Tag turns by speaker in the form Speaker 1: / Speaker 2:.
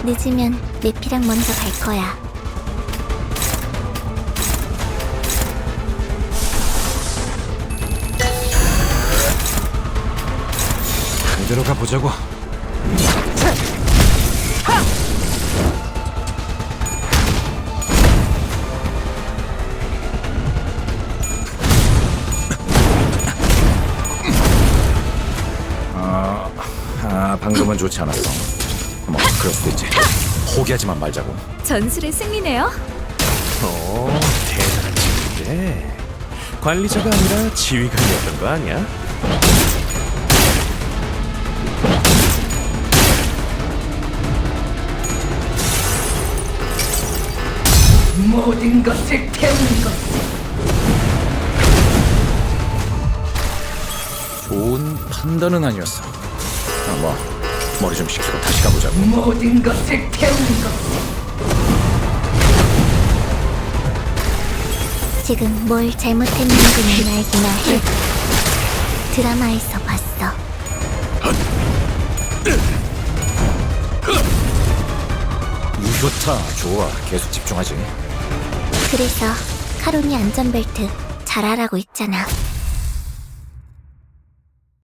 Speaker 1: 늦으면 내피랑 먼저 갈 거야.
Speaker 2: 그대로 가보자고. 방금은 좋지 않았어. 뭐 그럴 수도 있지. 포기하지만 말자고.
Speaker 1: 전술의 승리네요.
Speaker 3: 오, 대단한 친구인데 관리자가 아니라 지휘관이었던 거 아니야?
Speaker 4: 모든 것을 태우는 것.
Speaker 2: 좋은 판단은 아니었어. 머리 좀 식히고 다시 가보자고.
Speaker 4: 모든 것을 태우는 것.
Speaker 1: 지금 뭘 잘못했는지는 알기나 해. 드라마에서 봤어.
Speaker 2: 좋다. 좋아. 계속 집중하지.
Speaker 1: 그래서 카론이 안전벨트 잘하라고 했잖아.